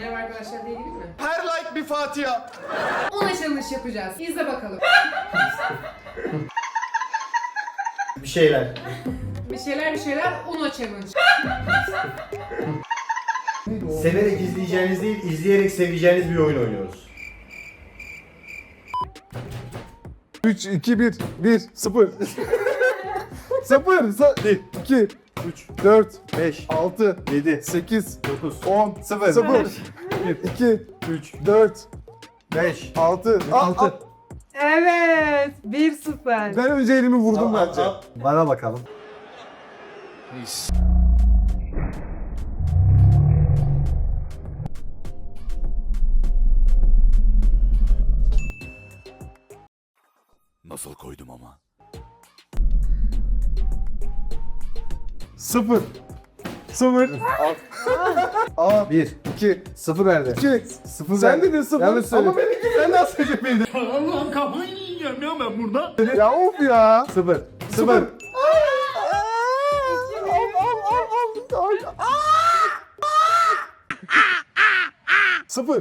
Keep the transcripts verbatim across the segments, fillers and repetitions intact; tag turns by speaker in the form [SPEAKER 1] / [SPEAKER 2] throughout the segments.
[SPEAKER 1] Merhaba arkadaşlar diyebilir mi?
[SPEAKER 2] Her like bir Fatiha.
[SPEAKER 1] Ona challenge yapacağız. İzle bakalım.
[SPEAKER 2] Bir şeyler.
[SPEAKER 1] Bir şeyler bir şeyler Uno challenge.
[SPEAKER 2] Severek izleyeceğiniz değil, izleyerek seveceğiniz bir oyun oynuyoruz.
[SPEAKER 3] üç, iki, bir, bir, sıfır. sıfır, bir, iki, üç, dört,
[SPEAKER 2] beş,
[SPEAKER 3] altı,
[SPEAKER 2] yedi,
[SPEAKER 3] sekiz,
[SPEAKER 2] dokuz,
[SPEAKER 3] on,
[SPEAKER 2] sıfır,
[SPEAKER 3] sıfır, bir, iki, üç, dört,
[SPEAKER 2] beş,
[SPEAKER 3] altı,
[SPEAKER 2] altı.
[SPEAKER 1] Evet. bir sıfır.
[SPEAKER 3] Ben önce elimi vurdum bence.
[SPEAKER 2] Bana bakalım.
[SPEAKER 4] Nasıl koydum ama?
[SPEAKER 3] Sıfır. Sıfır. Aa,
[SPEAKER 2] bir,
[SPEAKER 3] iki,
[SPEAKER 2] sıfır verdi.
[SPEAKER 3] iki.
[SPEAKER 2] Sıfır
[SPEAKER 3] Sen
[SPEAKER 2] verdi.
[SPEAKER 3] dedin sıfır.
[SPEAKER 2] Yanlış söyledin.
[SPEAKER 3] Ama benimki sen nasıl söyleyecektin?
[SPEAKER 4] Allah'ım kafayı yiyeceğim ya ben burada.
[SPEAKER 3] Ya of ya.
[SPEAKER 2] Sıfır.
[SPEAKER 3] Sıfır.
[SPEAKER 2] Sıfır.
[SPEAKER 3] Sıfır.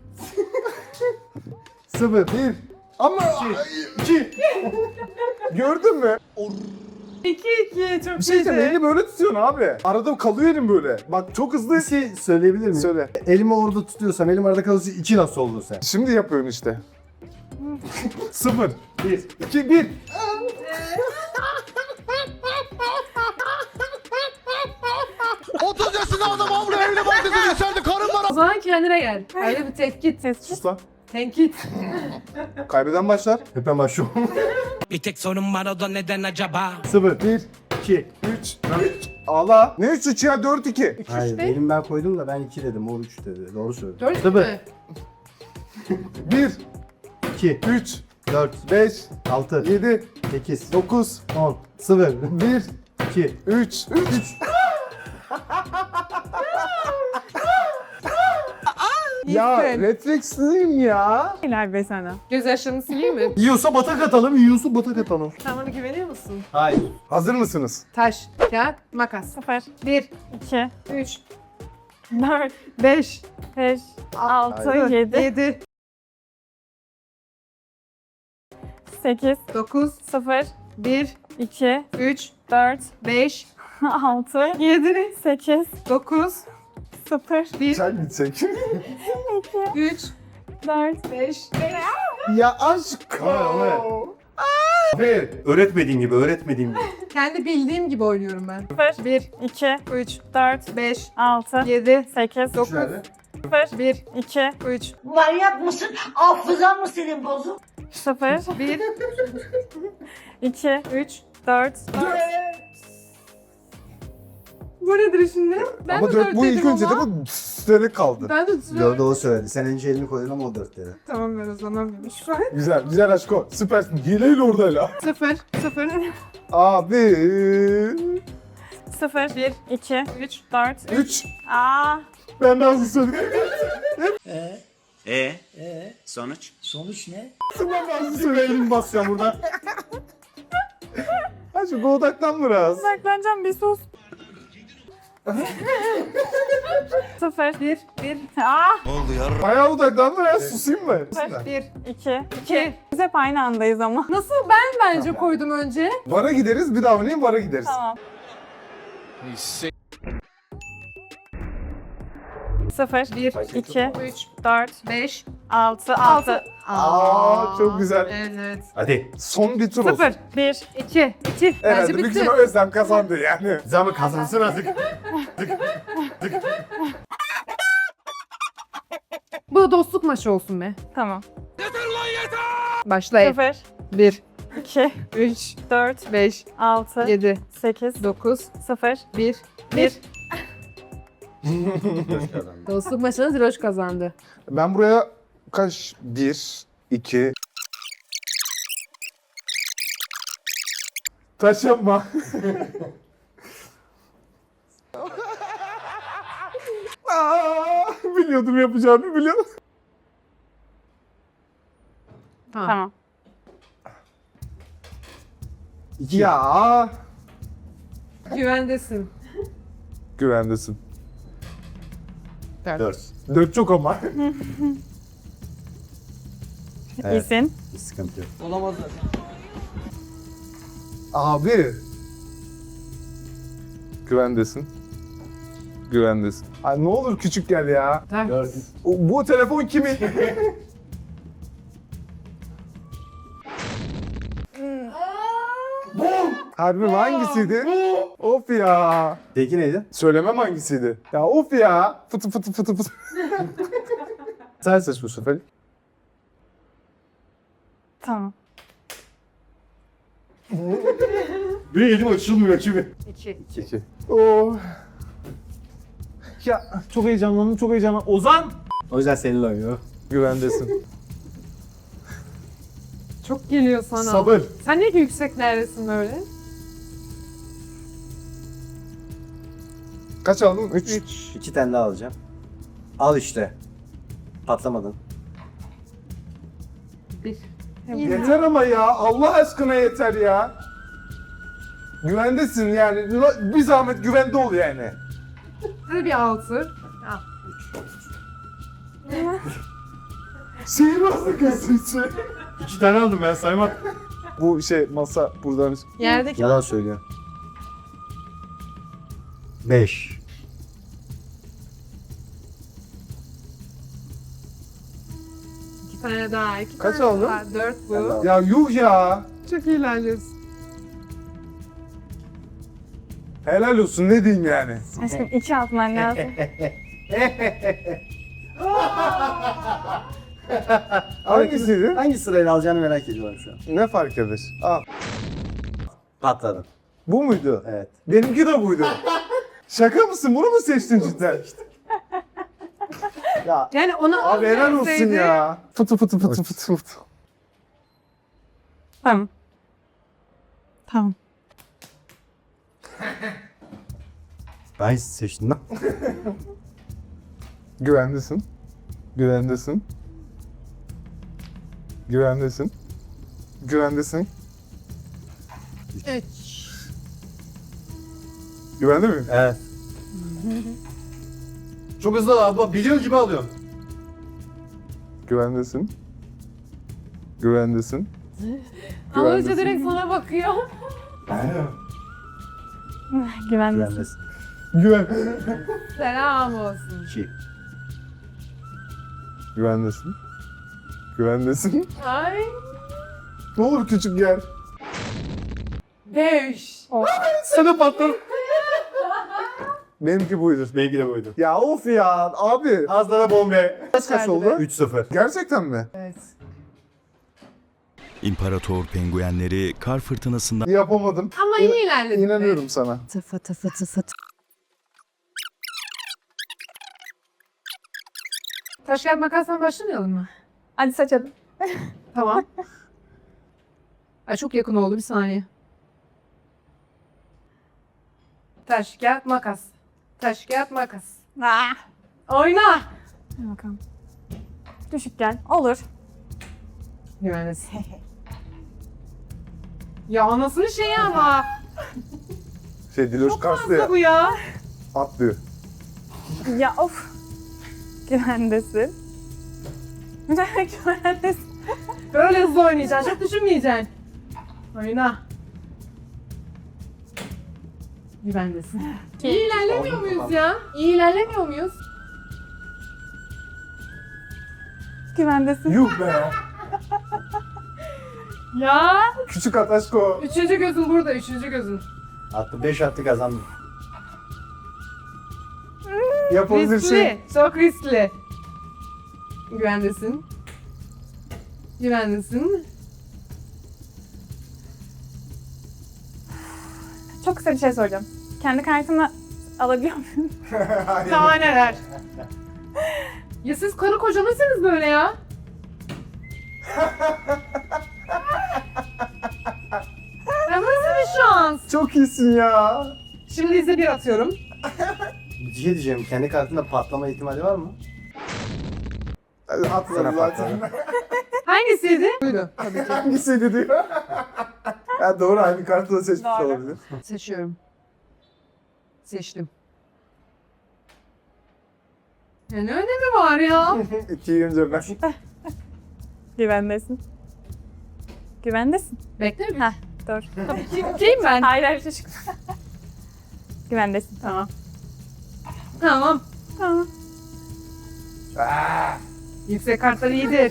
[SPEAKER 2] Sıfır.
[SPEAKER 3] Bir. Ama iki. Gördün mü?
[SPEAKER 1] iki iki çok
[SPEAKER 3] Bir şey diyeceğim, elini böyle tutuyorsun abi. Arada kalıyor elim böyle. Bak çok hızlı.
[SPEAKER 2] Bir şey söyleyebilir miyim?
[SPEAKER 3] Söyle.
[SPEAKER 2] Elimi orada tutuyorsam, elim arada kalırsa iki nasıl oldu sen?
[SPEAKER 3] Şimdi yapıyorsun işte. Sıfır.
[SPEAKER 2] Bir.
[SPEAKER 3] İki, bir.
[SPEAKER 4] otuz yaşında adam avlu evli barkısını içeride karın var.
[SPEAKER 1] O zaman kendine gel. Öyle bir tetkit.
[SPEAKER 3] Sus lan.
[SPEAKER 1] Tenkit.
[SPEAKER 3] Kaybeden başlar.
[SPEAKER 2] Hep hemen şu.
[SPEAKER 5] Bir tek sorun var o da neden acaba?
[SPEAKER 2] Sıfır.
[SPEAKER 3] Bir,
[SPEAKER 2] iki.
[SPEAKER 3] üç, üç. Ağla. Ne üç üç ya? Dört iki.
[SPEAKER 2] Hayır, benim ben koydum da ben iki dedim, o üç dedi. Doğru söyledi.
[SPEAKER 1] Dört
[SPEAKER 2] Sıfır.
[SPEAKER 1] mü?
[SPEAKER 3] Bir,
[SPEAKER 2] iki,
[SPEAKER 3] üç,
[SPEAKER 2] dört,
[SPEAKER 3] beş,
[SPEAKER 2] altı,
[SPEAKER 3] yedi,
[SPEAKER 2] sekiz,
[SPEAKER 3] dokuz,
[SPEAKER 2] on, sıfır,
[SPEAKER 3] bir,
[SPEAKER 2] iki,
[SPEAKER 3] üç, üç. Ya
[SPEAKER 1] İyisin.
[SPEAKER 3] refleksliyim ya.
[SPEAKER 6] Helal be sana.
[SPEAKER 1] Göz yaşlarını sileyim mi?
[SPEAKER 2] Yiyorsa batak atalım, yiyorsa batak atalım.
[SPEAKER 1] Sen bana güveniyor musun?
[SPEAKER 2] Hayır.
[SPEAKER 3] Hazır mısınız?
[SPEAKER 1] Taş, kağıt, makas.
[SPEAKER 6] Sıfır,
[SPEAKER 1] bir,
[SPEAKER 6] iki,
[SPEAKER 1] üç,
[SPEAKER 6] dört,
[SPEAKER 1] beş,
[SPEAKER 6] beş, altı, yedi,
[SPEAKER 1] yedi,
[SPEAKER 6] sekiz,
[SPEAKER 1] dokuz,
[SPEAKER 6] sıfır,
[SPEAKER 1] bir,
[SPEAKER 6] iki,
[SPEAKER 1] üç,
[SPEAKER 6] dört,
[SPEAKER 1] beş,
[SPEAKER 6] altı,
[SPEAKER 1] yedi,
[SPEAKER 6] sekiz,
[SPEAKER 1] dokuz,
[SPEAKER 6] sıfır,
[SPEAKER 1] bir,
[SPEAKER 3] Sen gitsek.
[SPEAKER 1] üç,
[SPEAKER 6] dört,
[SPEAKER 1] beş.
[SPEAKER 3] Ya aşk.
[SPEAKER 2] Ver. Öğretmediğim gibi, öğretmediğim gibi.
[SPEAKER 1] Kendi bildiğim gibi oynuyorum ben.
[SPEAKER 6] sıfır,
[SPEAKER 1] bir,
[SPEAKER 6] iki,
[SPEAKER 1] üç,
[SPEAKER 6] dört,
[SPEAKER 1] beş,
[SPEAKER 6] altı,
[SPEAKER 1] yedi,
[SPEAKER 6] sekiz,
[SPEAKER 1] dokuz,
[SPEAKER 2] Nerede?
[SPEAKER 6] sıfır,
[SPEAKER 1] bir,
[SPEAKER 6] iki,
[SPEAKER 1] üç,
[SPEAKER 7] Manyak mısın? Hafızan mı senin bozuk?
[SPEAKER 6] sıfır,
[SPEAKER 1] bir,
[SPEAKER 6] iki,
[SPEAKER 1] üç,
[SPEAKER 6] dört,
[SPEAKER 1] bu nedir şimdi? Ben
[SPEAKER 3] Ama
[SPEAKER 1] de
[SPEAKER 3] dört bu ilk
[SPEAKER 1] dedim
[SPEAKER 3] önce de
[SPEAKER 1] ama.
[SPEAKER 3] bu üstleri kaldı.
[SPEAKER 1] Ben de
[SPEAKER 2] Dördü o söyledi. Sen önce elini koydun ama o dört dedi.
[SPEAKER 1] Tamam ben o zaman şu an.
[SPEAKER 3] Güzel, güzel aşko. Süpersin. Hileyle orada hala.
[SPEAKER 1] Sıfır, sıfır,
[SPEAKER 3] Abi.
[SPEAKER 6] sıfır,
[SPEAKER 1] bir,
[SPEAKER 6] iki,
[SPEAKER 1] üç,
[SPEAKER 6] dört,
[SPEAKER 3] Üç.
[SPEAKER 6] aa,
[SPEAKER 3] Ben de hızlı söyledim.
[SPEAKER 8] E e sonuç? Sonuç ne?
[SPEAKER 3] Ben de hızlı söyledim basacağım burada. Aşko odaklan biraz.
[SPEAKER 6] uzaklanacağım bir sus. sıfır,
[SPEAKER 1] bir, bir,
[SPEAKER 6] aa,
[SPEAKER 3] Bayağı odaklan biraz susayım mı?
[SPEAKER 1] bir,
[SPEAKER 6] iki,
[SPEAKER 1] iki.
[SPEAKER 6] biz hep aynı andayız ama.
[SPEAKER 1] Nasıl ben bence koydum önce?
[SPEAKER 3] Vara gideriz, bir daha oynayayım, vara gideriz.
[SPEAKER 6] Tamam. Sıfır,
[SPEAKER 1] bir,
[SPEAKER 6] iki,
[SPEAKER 1] üç,
[SPEAKER 6] dört,
[SPEAKER 1] beş,
[SPEAKER 6] altı,
[SPEAKER 1] altı.
[SPEAKER 6] altı,
[SPEAKER 3] Aa, çok güzel.
[SPEAKER 1] Evet.
[SPEAKER 2] Hadi.
[SPEAKER 3] Son bir tur olsun.
[SPEAKER 1] Sıfır,
[SPEAKER 6] bir,
[SPEAKER 1] iki, iki.
[SPEAKER 3] Herhalde
[SPEAKER 1] Bence
[SPEAKER 3] büyük
[SPEAKER 1] bitti.
[SPEAKER 3] ihtimal Özlem kazandı yani.
[SPEAKER 2] Zaman kazansın artık.
[SPEAKER 1] Bu da dostluk maçı olsun be.
[SPEAKER 6] tamam.
[SPEAKER 1] Başlayın.
[SPEAKER 6] Sıfır,
[SPEAKER 1] bir,
[SPEAKER 6] iki,
[SPEAKER 1] üç,
[SPEAKER 6] dört,
[SPEAKER 1] beş,
[SPEAKER 6] altı,
[SPEAKER 1] yedi,
[SPEAKER 6] sekiz,
[SPEAKER 1] dokuz,
[SPEAKER 6] sıfır,
[SPEAKER 1] bir, bir. Dostluk maçını Ziroş kazandı.
[SPEAKER 3] Ben buraya kaç? Bir, iki... Taş yapma. Aa, biliyordum yapacağını, biliyordum.
[SPEAKER 1] Tamam.
[SPEAKER 6] tamam.
[SPEAKER 2] İki.
[SPEAKER 3] Ya.
[SPEAKER 1] Güvendesin.
[SPEAKER 3] Güvendesin.
[SPEAKER 2] Dört.
[SPEAKER 3] Dört çok ama.
[SPEAKER 2] Evet.
[SPEAKER 6] İyisin.
[SPEAKER 2] Bir sıkıntı yok.
[SPEAKER 3] Abi. Güvendesin. Güvendesin. Ay ne olur küçük gel ya.
[SPEAKER 1] Dört.
[SPEAKER 2] Dört.
[SPEAKER 3] O- bu telefon kimin? Harbi mi? Hangisiydi? Of ya.
[SPEAKER 2] Peki neydi?
[SPEAKER 3] Söylemem hangisiydi. Ya of ya. Fıtı fıtı fıtı fıtı. Sen seç bu sefer.
[SPEAKER 6] Tamam.
[SPEAKER 2] Bir elim açılmıyor kimi?
[SPEAKER 1] İki.
[SPEAKER 3] İki. Oh. Ya çok heyecanlandım, çok heyecanlandım. Ozan!
[SPEAKER 2] O yüzden seninle oynuyor.
[SPEAKER 3] Güvendesin.
[SPEAKER 1] Çok geliyor sana.
[SPEAKER 3] Sabır.
[SPEAKER 1] Sen ne ki yükseklerdesin böyle?
[SPEAKER 3] Kaç aldın? Üç.
[SPEAKER 1] Üç.
[SPEAKER 2] İki tane daha alacağım. Al işte. Patlamadın.
[SPEAKER 1] Bir.
[SPEAKER 3] Yeter ama ya. Allah aşkına yeter ya. Güvendesin yani. Bir zahmet güvende ol yani.
[SPEAKER 1] Hadi bir altı. Al.
[SPEAKER 3] Sihirbazlık esprisi.
[SPEAKER 2] İki tane aldım ben saymam.
[SPEAKER 3] Bu şey masa buradan.
[SPEAKER 1] Yerdeki.
[SPEAKER 2] Yalan söylüyor. Beş.
[SPEAKER 1] İki tane daha. İki
[SPEAKER 3] Kaç
[SPEAKER 1] tane
[SPEAKER 3] aldın?
[SPEAKER 1] daha. Dört bu.
[SPEAKER 2] Ben de
[SPEAKER 3] Ya yuh ya.
[SPEAKER 1] Çok eğlencelisin.
[SPEAKER 3] Helal olsun ne diyeyim yani.
[SPEAKER 6] Aşkım iki atman lazım.
[SPEAKER 3] Hangisiydi?
[SPEAKER 2] Hangi sırayla alacağını merak ediyorum şu an.
[SPEAKER 3] Ne fark eder? Al.
[SPEAKER 2] Patladım.
[SPEAKER 3] Bu muydu?
[SPEAKER 2] Evet.
[SPEAKER 3] Benimki de buydu. Şaka mısın? Bunu mu seçtin cidden?
[SPEAKER 2] Ya
[SPEAKER 1] Yani ona
[SPEAKER 3] Abi helal olsun
[SPEAKER 1] verseydi-
[SPEAKER 3] ya. Fıtı fıtı fıtı fıtı fıtı.
[SPEAKER 6] Tamam. Tamam.
[SPEAKER 2] ben seçtim lan.
[SPEAKER 3] Güvendesin. Güvendesin. Güvendesin. Güvendesin.
[SPEAKER 1] Üç.
[SPEAKER 3] Güvende miyim?
[SPEAKER 2] Evet. Çok hızlı abi. Biliyor gibi alıyorum.
[SPEAKER 3] Güvendesin. Güvendesin.
[SPEAKER 1] Alıcı
[SPEAKER 3] Güvendesin.
[SPEAKER 1] direkt sana bakıyor.
[SPEAKER 6] Güvendesin.
[SPEAKER 2] Güvendesin.
[SPEAKER 3] Güven.
[SPEAKER 1] Selam olsun.
[SPEAKER 2] İki.
[SPEAKER 3] Güvendesin. Güvendesin.
[SPEAKER 1] Ay.
[SPEAKER 3] Ne olur küçük gel.
[SPEAKER 1] Beş.
[SPEAKER 3] Sana patladım. Benimki buydu.
[SPEAKER 2] Benimki de buydu.
[SPEAKER 3] Ya of ya abi.
[SPEAKER 2] Az daha bombe.
[SPEAKER 3] Kaç kaç oldu?
[SPEAKER 2] üç sıfır.
[SPEAKER 3] Gerçekten mi?
[SPEAKER 1] Evet.
[SPEAKER 9] İmparator penguenleri kar fırtınasından
[SPEAKER 3] Yapamadım.
[SPEAKER 1] Ama iyi ilerledin. be.
[SPEAKER 3] İnanıyorum sana.
[SPEAKER 1] Tıfı tıfı tıfı. Taş kağıt makasla başlamayalım mı?
[SPEAKER 6] Hadi saç hadi.
[SPEAKER 1] Tamam. Ay çok yakın oldu bir saniye. Taş kağıt makas. Taş kağıt makas.
[SPEAKER 6] Ah.
[SPEAKER 1] Oyna.
[SPEAKER 6] Hadi bakalım. Düşük gel. Olur.
[SPEAKER 1] Güvendesin. Ya anasının şeyi ama.
[SPEAKER 3] Şey Diloş
[SPEAKER 1] Çok
[SPEAKER 3] Karslı
[SPEAKER 1] fazla
[SPEAKER 3] ya.
[SPEAKER 1] bu ya.
[SPEAKER 3] Atlıyor.
[SPEAKER 6] Ya of. Güvendesin. Güvendesin.
[SPEAKER 1] Böyle hızlı oynayacaksın. Çok düşünmeyeceksin. Oyna. Güvendesin. İyi ilerlemiyor muyuz ya? İyi ilerlemiyor muyuz?
[SPEAKER 6] Güvendesin.
[SPEAKER 3] Yuh be.
[SPEAKER 1] Ya.
[SPEAKER 3] Küçük Ataşko.
[SPEAKER 1] Üçüncü gözün burada. Üçüncü gözün.
[SPEAKER 2] Attı. Beş attı kazandım.
[SPEAKER 3] Yapabilirsin.
[SPEAKER 1] Riskli. Çok riskli. Güvendesin. Güvendesin.
[SPEAKER 6] Çok kısa bir şey soracağım. Kendi kartını alabiliyor muyum?
[SPEAKER 1] Daha neler? Ya siz karı koca mısınız böyle ya? Ya nasıl bir şans?
[SPEAKER 3] Çok iyisin ya.
[SPEAKER 1] Şimdi izle bir atıyorum.
[SPEAKER 2] Bir şey diyeceğim. Kendi kartında patlama ihtimali var mı?
[SPEAKER 3] Atladı
[SPEAKER 2] Sana
[SPEAKER 3] zaten.
[SPEAKER 1] Hangisiydi? Buydu tabii ki.
[SPEAKER 3] Hangisiydi diyor. Ya doğru aynı kartı da seçmiş
[SPEAKER 6] Doğru.
[SPEAKER 3] olabilir.
[SPEAKER 1] Seçiyorum. Seçtim. Ya ne önemi var ya?
[SPEAKER 3] İki gün önce ben.
[SPEAKER 6] Güvendesin. Güvendesin.
[SPEAKER 1] Bekle bir.
[SPEAKER 6] Heh, dur.
[SPEAKER 1] Kim, kim ben?
[SPEAKER 6] Hayır hayır çocuk. Güvendesin.
[SPEAKER 1] Tamam. Tamam.
[SPEAKER 6] Tamam.
[SPEAKER 1] Yüksek kartlar iyidir.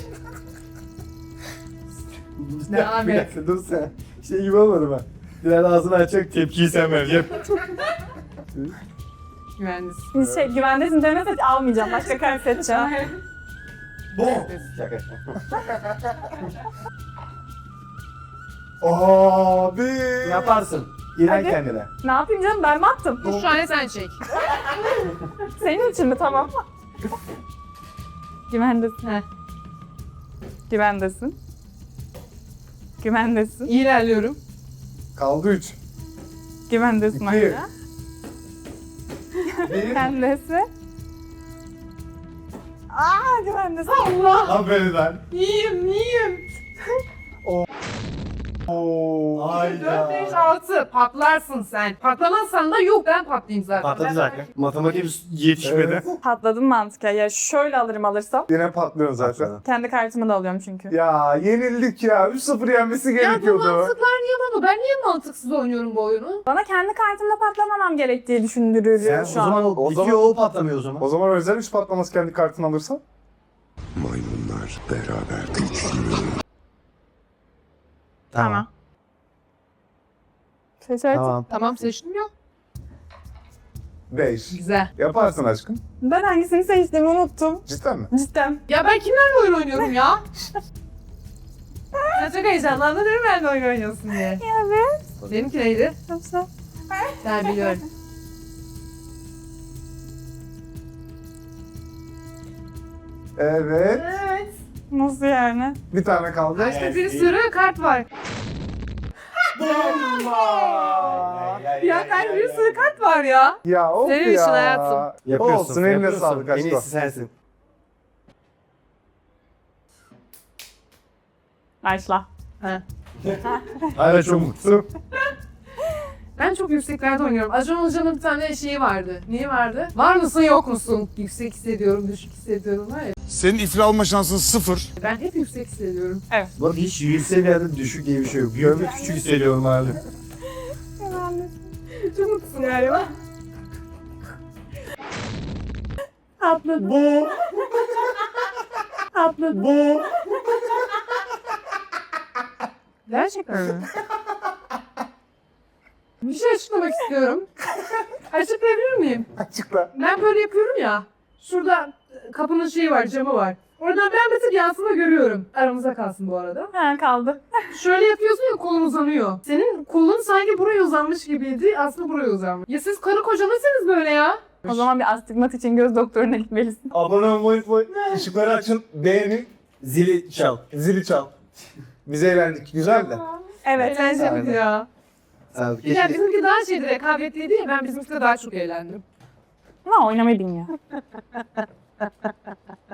[SPEAKER 1] Devam
[SPEAKER 3] Bir
[SPEAKER 1] et.
[SPEAKER 3] dakika dur sen. Şey gibi olmadı mı? Biraz ağzını açacak tepkiyi sen vereceksin.
[SPEAKER 1] Güvendesin.
[SPEAKER 6] Şey, güvendesin demese almayacağım. Başka kart seçeceğim.
[SPEAKER 3] Bom. Şaka. Abi.
[SPEAKER 2] Yaparsın. İnan
[SPEAKER 6] Hadi.
[SPEAKER 2] kendine.
[SPEAKER 6] Ne yapayım canım? Ben mi attım?
[SPEAKER 1] Dur şu an sen çek.
[SPEAKER 6] Senin için mi? Tamam. Güvendesin.
[SPEAKER 1] Heh.
[SPEAKER 6] Güvendesin. Güvendesin.
[SPEAKER 1] İyi ilerliyorum.
[SPEAKER 3] Kaldı üç.
[SPEAKER 6] Güvendesin
[SPEAKER 3] İki.
[SPEAKER 6] hala.
[SPEAKER 3] Bir.
[SPEAKER 6] Güvendesin. Aa güvendesin.
[SPEAKER 1] Allah!
[SPEAKER 3] Aferin lan.
[SPEAKER 1] İyiyim, iyiyim.
[SPEAKER 3] Oo.
[SPEAKER 1] dört, beş, altı. Patlarsın sen. Patlamazsan da yok ben patlayayım zaten.
[SPEAKER 2] Patladı zaten. Matematik yetişmedi.
[SPEAKER 3] Evet.
[SPEAKER 6] Patladım mantıken. Ya şöyle alırım alırsam.
[SPEAKER 3] Yine patlıyorsun zaten.
[SPEAKER 2] Patladı.
[SPEAKER 6] Kendi kartımı da alıyorum çünkü.
[SPEAKER 3] Ya yenildik ya. üç sıfır yenmesi
[SPEAKER 1] Ya bu
[SPEAKER 3] gerekiyordu.
[SPEAKER 1] mantıklar niye bana? Ben niye mantıksız oynuyorum bu oyunu?
[SPEAKER 6] Bana kendi kartımda patlamamam gerektiği düşündürüyor
[SPEAKER 2] Sen o
[SPEAKER 6] şu an.
[SPEAKER 2] zaman
[SPEAKER 3] O
[SPEAKER 2] o,
[SPEAKER 3] zaman-
[SPEAKER 2] bitiyor o patlamıyor o zaman.
[SPEAKER 3] O zaman özel üç patlaması kendi kartını alırsan.
[SPEAKER 4] Maymunlar beraber.
[SPEAKER 6] Tamam. Seçersin.
[SPEAKER 2] Tamam.
[SPEAKER 1] Tamam seçtim ya.
[SPEAKER 3] beş.
[SPEAKER 1] Güzel.
[SPEAKER 3] Yaparsın aşkım.
[SPEAKER 6] Ben hangisini seçtiğimi unuttum.
[SPEAKER 3] Cidden mi?
[SPEAKER 6] Cidden.
[SPEAKER 1] Ya ben kimlerle oyun oynuyorum ya? Ben çok heyecanlandım değil mi benimle oyun oynuyorsun diye.
[SPEAKER 6] Evet.
[SPEAKER 1] Benimki neydi?
[SPEAKER 6] Yoksa.
[SPEAKER 1] Ben biliyorum.
[SPEAKER 3] Evet.
[SPEAKER 1] Evet.
[SPEAKER 6] Nasıl yani?
[SPEAKER 3] Bir tane kaldı.
[SPEAKER 1] İşte bir sürü kart var. Ya ben bir sürü kart var ya.
[SPEAKER 3] Ya of
[SPEAKER 1] Senin
[SPEAKER 3] ya.
[SPEAKER 1] için hayatım.
[SPEAKER 2] Yapıyorsun.
[SPEAKER 3] Olsun eline
[SPEAKER 2] yapıyorsun.
[SPEAKER 3] sağlık
[SPEAKER 2] En
[SPEAKER 3] aşkım.
[SPEAKER 2] iyisi sensin.
[SPEAKER 6] Başla.
[SPEAKER 3] Hala çok mutluyum.
[SPEAKER 1] Ben çok yükseklerde oynuyorum. Acun Hoca'nın bir tane şeyi vardı. Niye vardı? Var mısın yok musun? Yüksek hissediyorum, düşük hissediyorum var ya.
[SPEAKER 4] Senin iflah alma şansın sıfır.
[SPEAKER 1] Ben hep yüksek hissediyorum.
[SPEAKER 2] Bak hiç yüksek bir yerde düşük diye bir şey yok. Büyük ve küçük hissediyorum abi.
[SPEAKER 1] Çok mutlusun galiba.
[SPEAKER 6] Atladım.
[SPEAKER 3] Bu.
[SPEAKER 6] Atladım.
[SPEAKER 3] Bu.
[SPEAKER 1] Gerçekten mi? Bir şey açıklamak istiyorum. Açıklayabilir miyim?
[SPEAKER 3] Açıkla.
[SPEAKER 1] Ben böyle yapıyorum ya. Şurada kapının şeyi var, camı var. Oradan ben bir tık yansıma görüyorum. Aramızda kalsın bu arada.
[SPEAKER 6] Ha kaldı.
[SPEAKER 1] Şöyle yapıyorsun ya kolun uzanıyor. Senin kolun sanki buraya uzanmış gibiydi. Aslında buraya uzanmış. Ya siz karı koca nasılsınız böyle ya?
[SPEAKER 6] O zaman bir astigmat için göz doktoruna gitmelisin.
[SPEAKER 3] Abone olmayı unutmayın. Işıkları açın. Beğenin.
[SPEAKER 2] Zili çal.
[SPEAKER 3] Zili çal. Biz eğlendik. Güzel de.
[SPEAKER 6] Evet.
[SPEAKER 1] Eğlenceliydi ya.
[SPEAKER 2] Sağ ol.
[SPEAKER 1] Ya
[SPEAKER 2] Keşke
[SPEAKER 1] bizimki daha şeydi, rekabetliydi ya. Ben bizimkide daha çok eğlendim.
[SPEAKER 6] Ama oynamayı bilmiyor.